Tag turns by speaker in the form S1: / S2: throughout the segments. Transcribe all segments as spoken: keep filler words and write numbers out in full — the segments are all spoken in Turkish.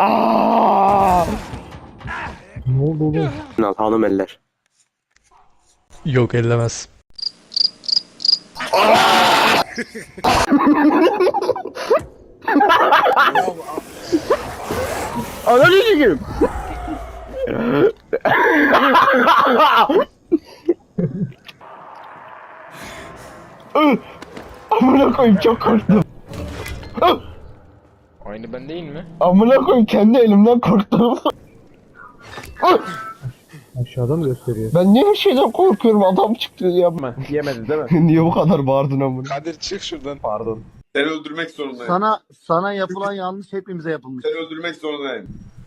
S1: Aa!
S2: Ne oldu oğlum?
S1: Al hanım eller.
S3: Yok ellemez.
S1: Ananı sikeyim. Amına koyayım çok korktum.
S4: Aynı ben değil mi?
S1: Amına koyayım kendi elimden korktum.
S2: Aşağıda mı gösteriyor?
S1: Ben niye her şeyden korkuyorum? Adam çıktı ya.
S5: Yemedi değil mi?
S1: Niye bu kadar bağırdın amına?
S4: Kadir çık şuradan.
S5: Pardon.
S6: Seni öldürmek zorundayım.
S7: Sana sana yapılan yanlış hepimize yapılmış.
S6: Seni öldürmek zorundayım.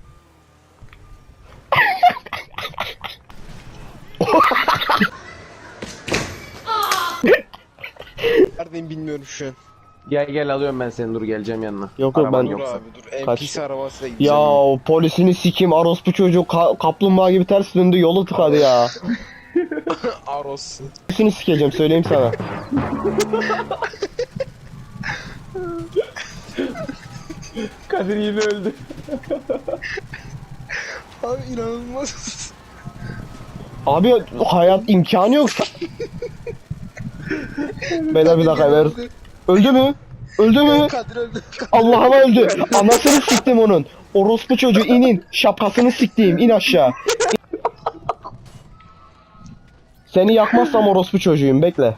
S4: Neredeyim bilmiyorum şu an.
S5: Gel gel alıyorum ben seni, dur geleceğim yanına.
S1: Yok yok
S5: Araban
S1: ben...
S4: Dur
S5: yoksa.
S4: abi dur. En
S1: Kaç-
S4: pis arabasıyla gideceğim.
S1: Ya polisini sikeyim orospu çocuğu ka- kaplumbağa gibi ters döndü yolu tıkadı ya.
S4: Aros.
S1: Polisini sikeceğim söyleyeyim sana.
S5: Kadir yine öldü.
S4: Abi inanılmaz.
S1: Abi hayat imkanı yok. Beyler bir dakika ver. Öldü mü? Öldü mü?
S4: Kadir öldü.
S1: Allah'ıma öldü. Anasını siktim onun. Orospu çocuğu inin. Şapkasını siktiğim in aşağı. Seni yakmazsam orospu çocuğuyum bekle.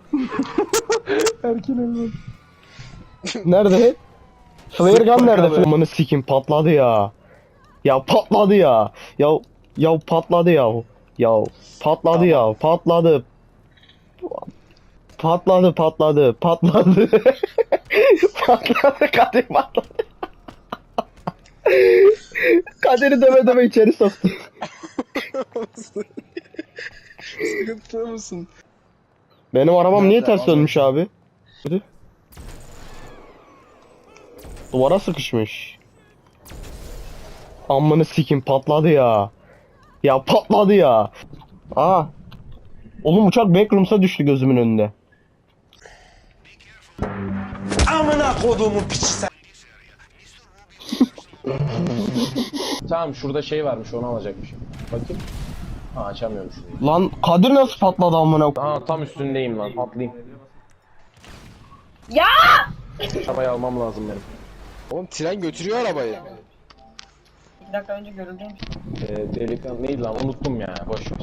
S5: Erken öldü.
S1: Nerede? Flare gun nerede? Amanı sikim patladı ya. Ya patladı ya. Ya ya patladı ya. Ya patladı ya. Patladı. Patladı patladı patladı. Patladı Kadir patladı. Kadir'i döve döve içeri soktu.
S4: Sıkıntılı mısın?
S1: Benim arabam niye
S4: Nerede?
S1: ters dönmüş abi? Hadi. Duvara sıkışmış. Amını sikim patladı ya. Ya patladı ya. Aa. Oğlum uçak backrooms'a düştü gözümün önünde.
S5: Tamam, şurada şey varmış, onu alacakmışım. Bakayım. Ha, açamıyorum şunu.
S1: Lan Kadir nasıl patladı amına?
S5: Aa, tam üstündeyim lan, atlayayım. Ya! Arabayı almam lazım benim.
S4: Oğlum tren götürüyor arabayı.
S8: Bir dakika önce görüldüymüş.
S5: Ee, delikanlı neydi lan, unuttum ya, boş ver.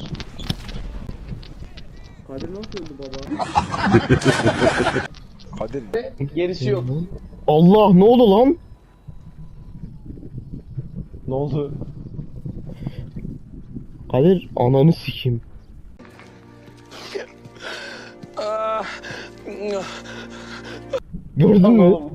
S4: Kadir.
S5: Gerisi yok.
S1: Allah ne oldu lan?
S5: Ne oldu?
S1: Kadir ananı sikim. Gördün mü?